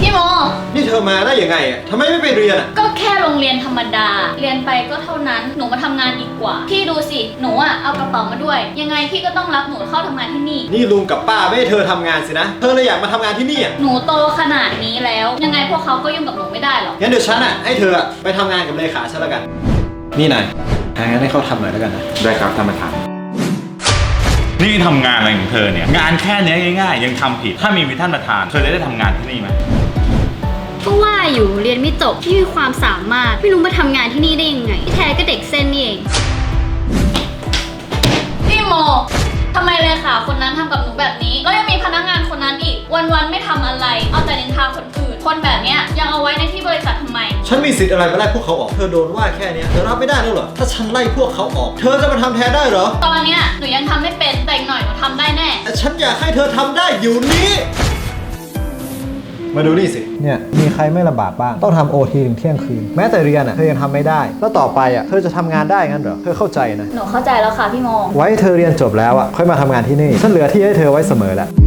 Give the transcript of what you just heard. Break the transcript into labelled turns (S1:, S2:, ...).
S1: พี่โม
S2: นี่เธอมาได้ยังไงอ่ะทำไมไม่ไปเรียนอ่ะ
S1: ก็แค่โรงเรียนธรรมดาเรียนไปก็เท่านั้นหนูมาทำงานดีกว่าพี่ดูสิหนูอะเอากระเป๋ามาด้วยยังไงพี่ก็ต้องรับหนูเข้าทำงานที่นี่
S2: นี่ลุงกับป้าไม่ให้เธอทำงานสินะเธอเลยอยากมาทำงานที่นี่อ่ะ
S1: หนูโตขนาดนี้แล้วยังไงพวกเขาก็ยุ่งกับหนูไม่ได้หรอก
S2: งั้นเดี๋ยวฉันอ่ะให้เธอไปทำงานกับเลขาฉันแล้วกันนี่นายหางานให้เขาทำหน่อยแล้วกันนะ
S3: ได้ครับท่านประธานนี่ทำงานอะไรของเธอเนี่ยงานแค่นี้ง่ายๆยังทำผิดถ้ามีท่านประธานเธอจะได้ทำงานที่นี่ไหม
S4: ก็ว่าอยู่เรียนไม่จบที่มีความสามารถไม่รู้มาทำงานที่นี่ได้ยังไงที่แท้ก็เด็กเส้นนี่เอง
S1: พี่โมทำไมเลขาคนนั้นทำกับหนูแบบนี้แล้วยังมีพนักงานคนนั้นอีกวันๆไม่ทำอะไรเอาแต่นินทาคนอื่นคนแบบเนี้ยยังเอาไว้ในที่บริษัททำไม
S2: ฉันมีสิทธิ์อะไรมาไล่พวกเขาออกเธอโดนว่าแค่นี้เธอรับไม่ได้แล้วเหรอถ้าฉันไล่พวกเขาออกเธอจะมาทำแทนได้เหรอ
S1: ตอนเนี้ยหนูยังทำไม่เป็นแต่อีกหน่อยหนูทำได้แน่
S2: แต่ฉันอยากให้เธอทำได้อยู่นี้มาดูนี่สิเนี่ยมีใครไม่ลำบากบ้างต้องทำโอทีถึงเที่ยงคืนแม้แต่เรียนอ่ะเธอยังทำไม่ได้แล้วต่อไปอ่ะเธอจะทำงานได้งั้นเหรอเธอเข้าใจนะ
S1: หนูเข้าใจแล้วค่ะพี่โม
S2: ไว้เธอเรียนจบแล้วอ่ะค่อยมาทำงานที่นี่ฉันเหลือที่ให้เธอไว้เสมอแหละ